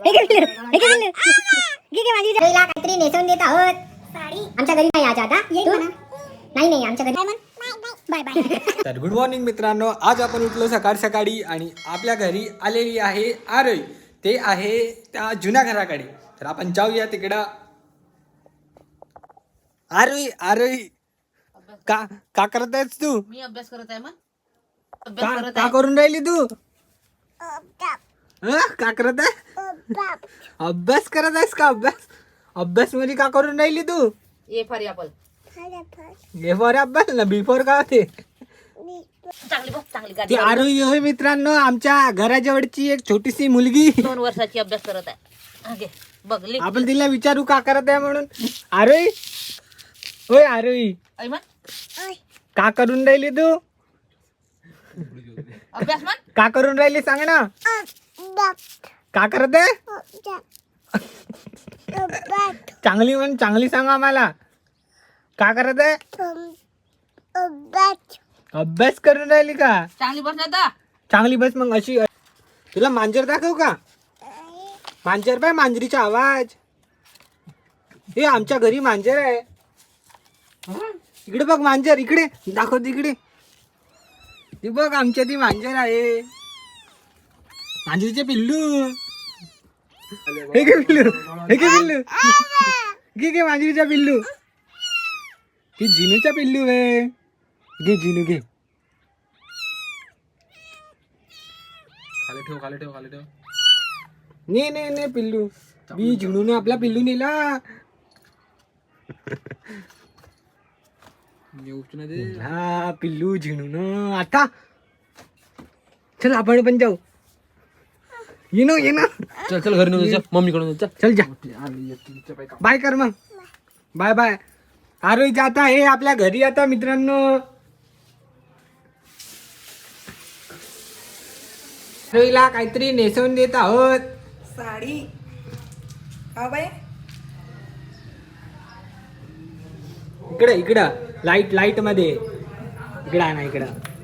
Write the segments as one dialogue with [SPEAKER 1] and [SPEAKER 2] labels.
[SPEAKER 1] काहीतरी नेसवून देत आहोत साडी. आमच्या घरी नाही आज आता. नाही आमच्या घरी. Bye bye.
[SPEAKER 2] तर गुड मॉर्निंग मित्रांनो, आज आपण उठलो सकाळ सकाळी आणि आपल्या घरी आलेली आहे आरोही. ते आहे त्या जुन्या घराकडे. तर आपण जाऊया तिकडं. आरोही का का करत आहेस तू?
[SPEAKER 3] मी अभ्यास करत आहे. मग
[SPEAKER 2] का करून राहिली तू? का करत आहे? अभ्यास करत आहेस का? अभ्यास मध्ये का करून राहिली तू?
[SPEAKER 3] A for apple.
[SPEAKER 2] A for अभ्यास ना, बी फॉर का होते?
[SPEAKER 3] चांगली
[SPEAKER 2] ती आरोही होय मित्रांनो, आमच्या घराजवळची एक छोटीशी मुलगी.
[SPEAKER 3] 2 वर्षाची अभ्यास करत आहे. बघ लिख.
[SPEAKER 2] आपण तिला विचारू का करत आहे म्हणून. आरोही होय आरोही, का करून राहिली तू?
[SPEAKER 3] अभ्यास म्हण.
[SPEAKER 2] का करून राहिली सांग ना. का करत आहे? चांगली म्हण, चांगली सांग आम्हाला. का करत आहे? अभ्यास करून राहिली का?
[SPEAKER 3] चांगली बस आता.
[SPEAKER 2] चांगली बस मग. अशी तुला मांजर दाखव का? मांजर पाय, मांजरीचा आवाज. हे आमच्या घरी मांजर आहे. इकडे बघ मांजर, इकडे दाखव तिकडे. ती बघ आमच्या ती मांजर आहे. मांजरीचे पिल्लू. हे घे पिल्लू, हे घे पिल्लू. घे मांजरीचा पिल्लू. ती जिनूचा पिल्लू आहे. घे जिनू घे. खाली ठेव. ने पिल्लू. बी जिनूने आपला पिल्लू नेला. हा पिल्लू झिणून. आता चल आपण पण जाऊ. ये ना
[SPEAKER 3] चल घरी नेऊन मम्मीकडून.
[SPEAKER 2] चल जा. बाय कर मग. बाय. आरोही जाता आहे आपल्या घरी आता मित्रांनो. आरोहीला काहीतरी नेसवून देत आहोत.
[SPEAKER 4] साडी. हा बाई.
[SPEAKER 2] इकडं लाईट मध्ये. इकडं आहे ना, इकडं.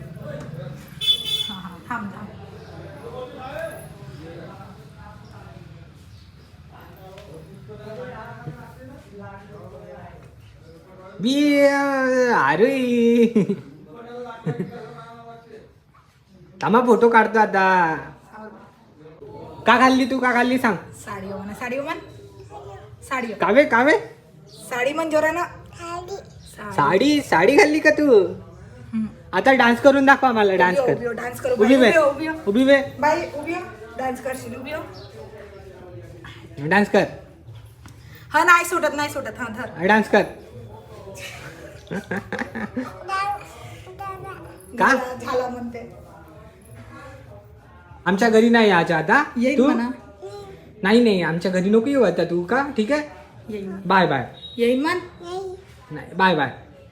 [SPEAKER 4] थांब.
[SPEAKER 2] बी आरोही थांबा, फोटो काढतो आता. का घालली तू? का घालली सांग.
[SPEAKER 4] साडी हो म्हणा. साडी
[SPEAKER 2] कावे
[SPEAKER 4] साडी म्हण जोरा ना.
[SPEAKER 2] साडी घालली का तू? आता डान्स करून दाखवा मला. डान्स कर.
[SPEAKER 4] डान्स करू.
[SPEAKER 2] उभी वे.
[SPEAKER 4] बाई उभी हो. डान्स करशील. उभी हो.
[SPEAKER 2] डान्स कर.
[SPEAKER 4] हा नाही सुटत. हा धर.
[SPEAKER 2] डान्स कर. का
[SPEAKER 4] झाला म्हणते.
[SPEAKER 2] आमच्या घरी नाही यायचं आता
[SPEAKER 4] येईल
[SPEAKER 2] तू.
[SPEAKER 4] म्हणा.
[SPEAKER 2] नाही आमच्या घरी नको येऊ आता तू. का ठीक आहे.
[SPEAKER 4] येईल.
[SPEAKER 2] बाय.
[SPEAKER 4] येईल म्हण.
[SPEAKER 2] नाही बाय.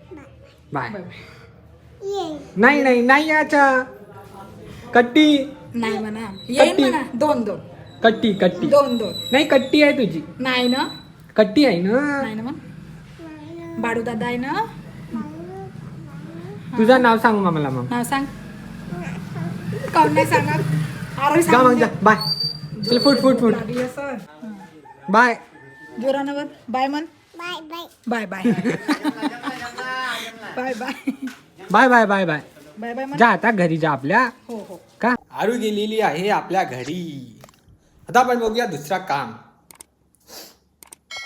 [SPEAKER 2] नाही यायचं. कट्टी
[SPEAKER 4] नाही म्हणा. येईल म्हणा. दोन.
[SPEAKER 2] कट्टी
[SPEAKER 4] दोन.
[SPEAKER 2] नाही, कट्टी आहे तुझी.
[SPEAKER 4] नाही ना.
[SPEAKER 2] कट्टी आहे ना.
[SPEAKER 4] नाही ना म्हण. बाडू दादा आहे ना.
[SPEAKER 2] तुझं नाव सांग मला मग.
[SPEAKER 4] नाव सांग. कोण नाही सांगत. आरोही
[SPEAKER 2] जा मग जा. बाय. चल फुट. बाय.
[SPEAKER 4] जोरानवर बाय म्हण. बाय. बाय म्हण.
[SPEAKER 2] जा आता घरी जा आपल्या.
[SPEAKER 4] हो.
[SPEAKER 2] का आरू गेलेली आहे आपल्या घरी. आता आपण बघूया दुसरा काम.